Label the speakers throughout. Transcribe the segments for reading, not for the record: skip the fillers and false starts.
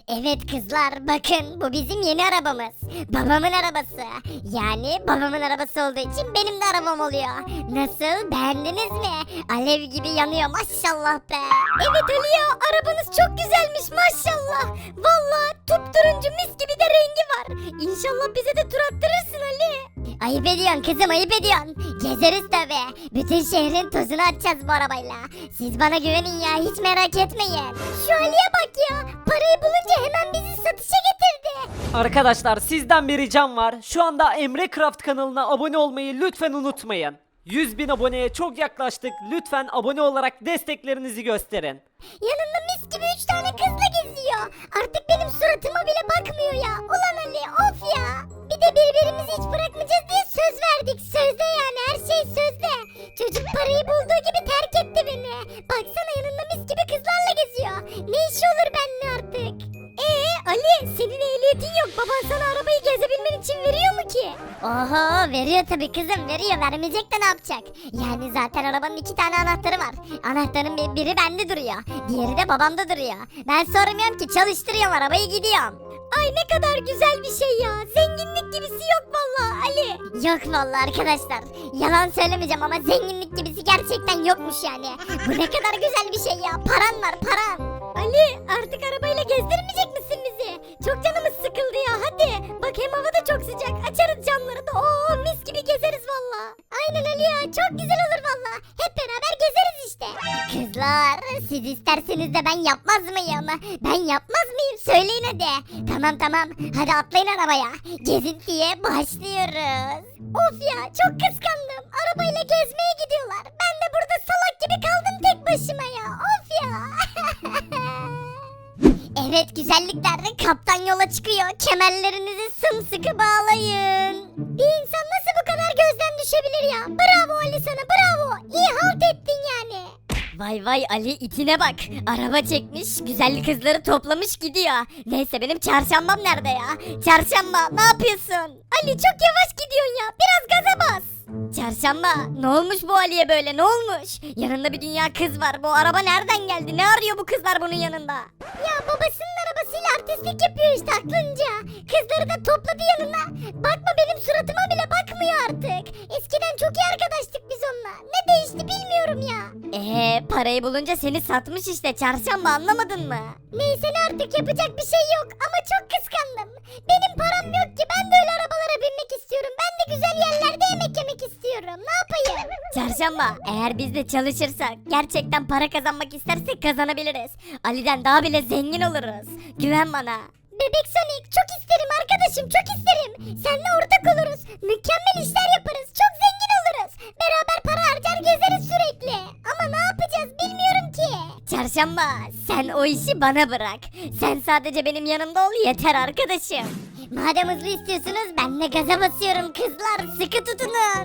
Speaker 1: Evet kızlar bakın bu bizim yeni arabamız. Babamın arabası. Yani babamın arabası olduğu için benim de arabam oluyor. Nasıl beğendiniz mi? Alev gibi yanıyor maşallah be. Evet Ali ya arabanız çok güzelmiş maşallah. Valla turuncu mis gibi de rengi var. İnşallah bize de tur attırırsın Ali. Ayıp ediyorsun kızım ayıp ediyorsun. Gezeriz tabi. Bütün şehrin tozunu atacağız bu arabayla. Siz bana güvenin ya hiç merak etmeyin. Şu Ali'ye bak ya. Parayı bulunca hemen bizi satışa getirdi.
Speaker 2: Arkadaşlar sizden bir ricam var. Şu anda Emre Craft kanalına abone olmayı lütfen unutmayın. 100.000 aboneye çok yaklaştık. Lütfen abone olarak desteklerinizi gösterin.
Speaker 1: Yanında mis gibi 3 tane kızla geziyor. Artık benim suratıma bile bakmıyor ya. Ulan Ali of ya. Bir de birbirimizi hiç bırakmayacağız diye söz verdik. Sözde yani her şey sözde. Çocuk parayı bulduğu gibi terk etti beni. Baksana yanında mis gibi kızlarla geziyor. Ne işi olur benimle artık? Ali senin ehliyetin yok. Baban sana arabayı gezebilmen için veriyor mu ki? Oho veriyor tabii kızım veriyor. Vermeyecek de ne yapacak? Yani zaten arabanın 2 tane anahtarı var. Anahtarın biri bende duruyor. Diğeri de babamda duruyor. Ben sormuyorum ki çalıştırıyorum arabayı gidiyorum. Ay ne kadar güzel bir şey ya. Zenginlik gibisi yok vallahi Ali. Yok vallahi arkadaşlar. Yalan söylemeyeceğim ama zenginlik gibisi gerçekten yokmuş yani. Bu ne kadar güzel bir şey ya. Paran var paran. Ali artık arabayla gezdirmeyecek misin bizi? Çok canımız sıkıldı ya hadi. Bak hem hava da çok sıcak. Açarız camları da oo mis gibi gezeriz valla. Aynen Ali ya çok güzel olur valla. Hep beraber gezeriz işte. Kızlar siz isterseniz de ben yapmaz mıyım? Ben yapmaz mıyım? Söyleyin hadi. Tamam hadi atlayın arabaya. Gezintiye başlıyoruz. Of ya çok kıskandım. Arabayla gezmeye gidiyorlar. Ben de burada salak gibi kaldım tek başıma ya. Of ya. Evet güzellikler kaptan yola çıkıyor. Kemerlerinizi sımsıkı bağlayın. Bir insan nasıl bu kadar gözden düşebilir ya? Bravo Ali sana bravo. İyi halt ettin yani. Vay Ali itine bak. Araba çekmiş güzellik kızları toplamış gidiyor. Neyse benim çarşambam nerede ya? Çarşamba ne yapıyorsun? Ali çok yavaş gidiyorsun ya. Biraz gaza bas. Çarşamba ne olmuş bu Ali'ye böyle ne olmuş? Yanında bir dünya kız var. Bu araba nereden geldi? Ne arıyor bu kızlar bunun yanında? Ya babasının arabasıyla artistlik yapıyor işte aklınca. Kızları da topladı yanına. Bakma benim suratıma bile bakmıyor artık. Eskiden çok iyi arkadaştık biz onunla. Ne değişti bilmiyorum ya. Parayı bulunca seni satmış işte çarşamba anlamadın mı? Neyse ne artık yapacak bir şey yok ama çok kıskandım. Benim param yok ki ben de öyle arabalara binmek istiyorum. Ben de güzel yerlerde yemek yemek istiyorum. Ne yapayım? Çarşamba eğer biz de çalışırsak gerçekten para kazanmak istersek kazanabiliriz. Ali'den daha bile zengin oluruz. Güven bana. Bebek Sonic çok isterim arkadaşım çok isterim. Seninle ortak oluruz. Mükemmel işler yaparız. Çok zengin oluruz. Beraber para harcar gezeriz sürekli. Ama ne yapacağız bilmiyorum ki. Çarşamba sen o işi bana bırak. Sen sadece benim yanımda ol yeter arkadaşım. Madem hızlı istiyorsunuz ben de gaza basıyorum kızlar sıkı tutunun.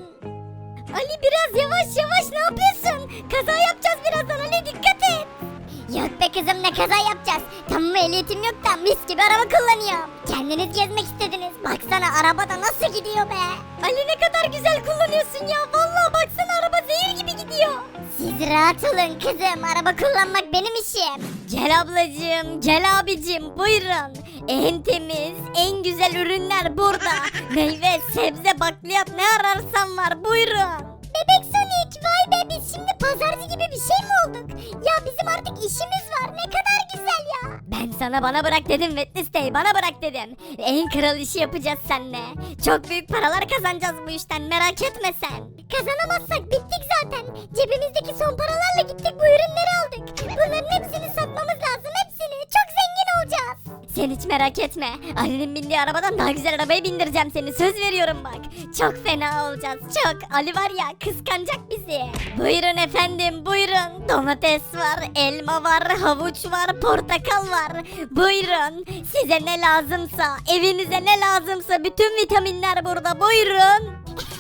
Speaker 1: Ali biraz yavaş ne yapıyorsun? Kaza yapacağız birazdan Ali dikkat et. Yok be kızım ne kaza yapacağız. Tamam ehliyetim yok da mis gibi araba kullanıyorum. Kendiniz gezmek istediniz. Baksana arabada nasıl gidiyor be. Ali ne kadar güzel kullanıyorsun ya. Vallahi baksana araba zehir gibi gidiyor. Siz rahat olun kızım. Araba kullanmak benim işim. Gel ablacığım, gel abicim buyurun. En temiz, en güzel ürünler burada. Meyve, sebze, bakliyat ne ararsan var buyurun. Bebek Sonic vay be biz şimdi pazarcı gibi bir şey mi olduk? Ya bizim artık işimiz var ne kadar güzel ya. Ben sana bana bırak dedim Wednesday bana bırak dedim. En kral işi yapacağız seninle. Çok büyük paralar kazanacağız bu işten merak etme sen. Kazanamazsak bittik zaten. Cebimizdeki son paralarla gittik bu ürünleri aldık. Bunların hepsini satmamız lazım hepsini. Çok zengin olacağız. Sen hiç merak etme. Ali'nin bindiği arabadan daha güzel arabaya bindireceğim seni. Söz veriyorum bak. Çok fena olacağız. Çok. Ali var ya kıskanacak bizi. Buyurun efendim buyurun. Domates var, elma var, havuç var, portakal var. Buyurun. Size ne lazımsa, evinize ne lazımsa bütün vitaminler burada. Buyurun.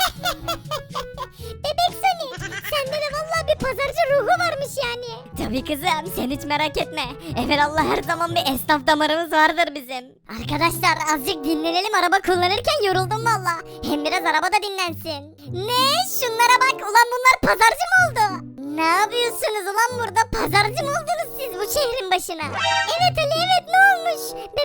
Speaker 1: Bebek Sonic sende de vallahi bir pazarcı ruhu varmış yani. Tabii kızım sen hiç merak etme. Evelallah her zaman bir esnaf damarımız vardır bizim. Arkadaşlar azıcık dinlenelim araba kullanırken yoruldum valla. Hem biraz arabada dinlensin. Ne? Şunlara bak ulan bunlar pazarcı mı oldu? Ne yapıyorsunuz ulan burada? Pazarcı mı oldunuz siz bu şehrin başına? Evet Ali evet ne olmuş?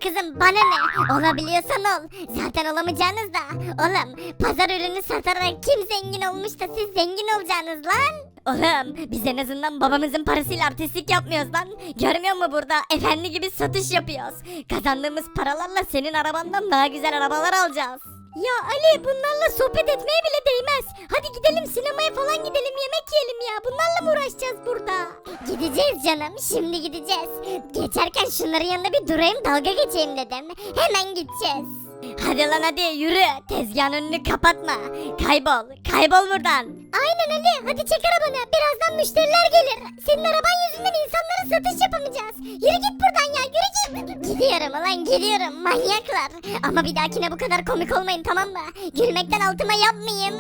Speaker 1: kızım bana ne? Olabiliyorsan ol. Zaten olamayacağınız da. Oğlum pazar ürünü satarak kim zengin olmuş da siz zengin olacaksınız lan? Oğlum biz en azından babamızın parasıyla artistlik yapmıyoruz lan. Görmüyor musun burada efendi gibi satış yapıyoruz. Kazandığımız paralarla senin arabandan daha güzel arabalar alacağız. Ya Ali bunlarla sohbet etmeye bile değmez. Hadi gidelim sinemaya falan gidelim yemek yiyelim ya. Bunlarla mı uğraşacağız burada? Gideceğiz canım şimdi gideceğiz. Geçerken şunların yanında bir durayım dalga geçeyim dedim. Hemen gideceğiz. Hadi lan hadi yürü. Tezgahın önünü kapatma. Kaybol. Kaybol buradan. Aynen Ali. Hadi çek arabanı. Birazdan müşteriler gelir. Senin araban yüzünden insanlara satış yapamayacağız. Yürü git buradan ya. Yürü git. Gidiyorum ulan gidiyorum. Manyaklar. Ama bir dahakine bu kadar komik olmayın tamam mı? Gülmekten altıma yapmayayım.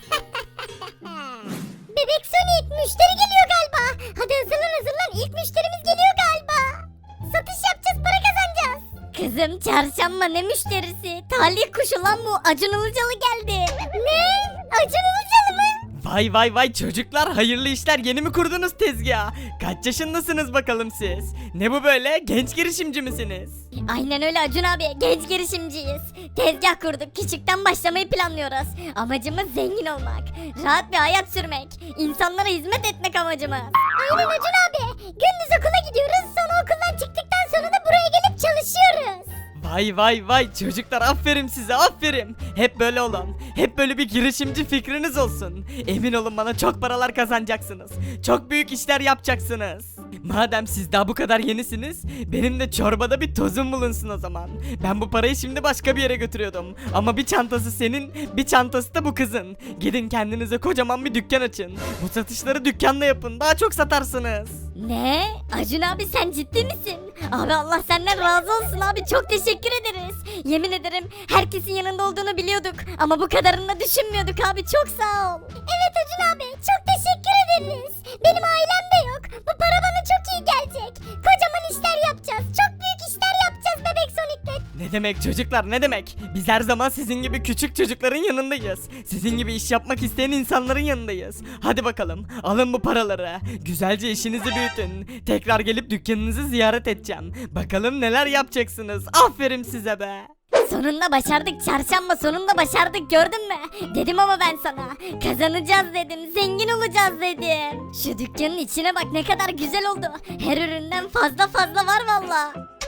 Speaker 1: Bebek Sonic müşteri geliyor galiba. Hadi hazırlan. İlk müşterimiz geliyor galiba. Satış yapacağız para kazanacağız. Kızım çarşamba ne müşterisi? Talih kuşu lan bu. Acun Ilıcalı geldi. Ne? Acun Ilıcalı mı?
Speaker 3: Vay çocuklar hayırlı işler yeni mi kurdunuz tezgah? Kaç yaşındasınız bakalım siz? Ne bu böyle genç girişimci misiniz?
Speaker 1: Aynen öyle Acun abi. Genç girişimciyiz. Tezgah kurduk. Küçükten başlamayı planlıyoruz. Amacımız zengin olmak. Rahat bir hayat sürmek. İnsanlara hizmet etmek amacımız. Aynen Acun abi. Gündüz okula gidiyoruz. Sonra okuldan çıktıktan sonra da buraya gelip çalışıyoruz.
Speaker 3: Vay çocuklar aferin size aferin. Hep böyle olun. Hep böyle bir girişimci fikriniz olsun. Emin olun bana çok paralar kazanacaksınız. Çok büyük işler yapacaksınız. Madem siz daha bu kadar yenisiniz, benim de çorbada bir tozum bulunsun o zaman. Ben bu parayı şimdi başka bir yere götürüyordum. Ama bir çantası senin, bir çantası da bu kızın. Gidin kendinize kocaman bir dükkan açın. Bu satışları dükkanda yapın, daha çok satarsınız.
Speaker 1: Ne? Acun abi sen ciddi misin? Abi Allah senden razı olsun abi çok teşekkür ederiz. Yemin ederim herkesin yanında olduğunu biliyorduk ama bu kadarını da düşünmüyorduk abi çok sağ ol. Evet Acun abi çok teşekkür ederiz. Benim ailem de yok. Bu para bana çok iyi gelecek. Kocaman işler yapacağız. Çok büyük işler yapacağız Bebek Sonic'le.
Speaker 3: Ne demek çocuklar ne demek? Biz her zaman sizin gibi küçük çocukların yanındayız. Sizin gibi iş yapmak isteyen insanların yanındayız. Hadi bakalım alın bu paraları. Güzelce işinizi büyütün. Tekrar gelip dükkanınızı ziyaret edeceğim. Bakalım neler yapacaksınız. Aferin size be.
Speaker 1: Sonunda başardık çarşamba sonunda başardık gördün mü? Dedim ama ben sana. Kazanacağız dedim zengin olacağız dedim. Şu dükkanın içine bak ne kadar güzel oldu. Her üründen fazla var valla.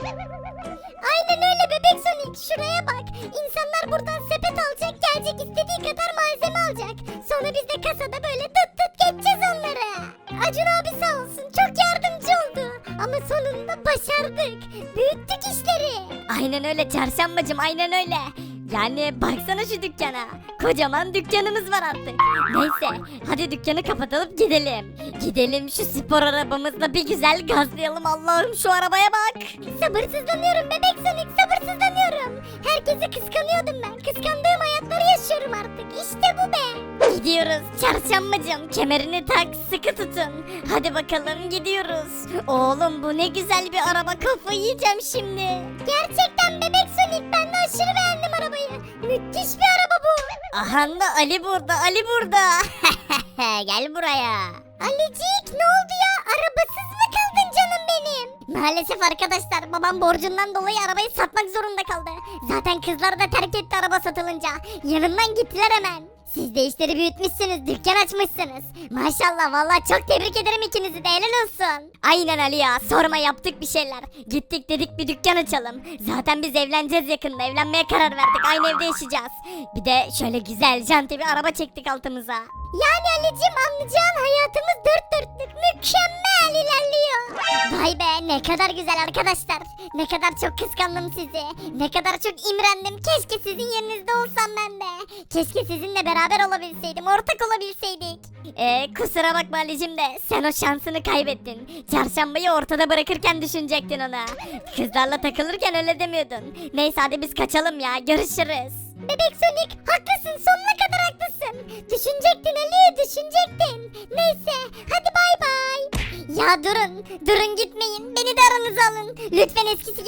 Speaker 1: Aynen öyle Bebek Sonic şuraya bak. İnsanlar buradan sepet alacak gelecek istediği kadar malzeme alacak. Sonra biz de kasada böyle tut geçeceğiz onları. Acun abi sağ olsun çok yardımcı oldu. Ama sonunda başardık. Büyüttük işleri. Aynen öyle çarşambacım aynen öyle. Yani baksana şu dükkana. Kocaman dükkanımız var artık. Neyse hadi dükkanı kapatalım gidelim. Gidelim şu spor arabamızla bir güzel gazlayalım Allah'ım şu arabaya bak. Sabırsızlanıyorum Bebek Sonic sabırsızlanıyorum. Herkesi kıskanıyordum ben. Kıskandığım hayatları yaşıyorum artık. İşte bu be. Gidiyoruz çarşambacım kemerini tak sıkı tutun. Hadi bakalım gidiyoruz. Oğlum bu ne güzel bir araba kafayı yiyeceğim şimdi. Gerçekten Bebek Sonic ben de aşırı beğendim arabayı. Müthiş bir araba bu. Aha da Ali burada. Gel buraya. Alicik ne oldu ya arabasız mı kaldın canım benim? Maalesef arkadaşlar babam borcundan dolayı arabayı satmak zorunda kaldı. Zaten kızlar da terk etti araba satılınca. Yanımdan gittiler hemen. Siz de işleri büyütmüşsünüz, dükkan açmışsınız. Maşallah vallahi çok tebrik ederim ikinizi de helal olsun. Aynen Ali ya sorma yaptık bir şeyler. Gittik dedik bir dükkan açalım. Zaten biz evleneceğiz yakında evlenmeye karar verdik aynı evde yaşayacağız. Bir de şöyle güzel janti bir araba çektik altımıza. Yani Ali'cim anlayacağın hayatımız dört dörtlük mükemmel ilerliyor. Vay be ne kadar güzel arkadaşlar. Ne kadar çok kıskandım sizi. Ne kadar çok imrendim. Keşke sizin yerinizde olsam ben de. Keşke sizinle beraber olabilseydim. Ortak olabilseydik. Kusura bakma Ali'cim de sen o şansını kaybettin. Çarşambayı ortada bırakırken düşünecektin ona. Kızlarla takılırken öyle demiyordun. Neyse hadi biz kaçalım ya görüşürüz. Bebek Sonic haklısın sonuna kadar haklısın. Düşünecektin Ali düşünecektin. Neyse hadi bay bay. Ya durun gitmeyin beni de aranıza alın. Lütfen eskisi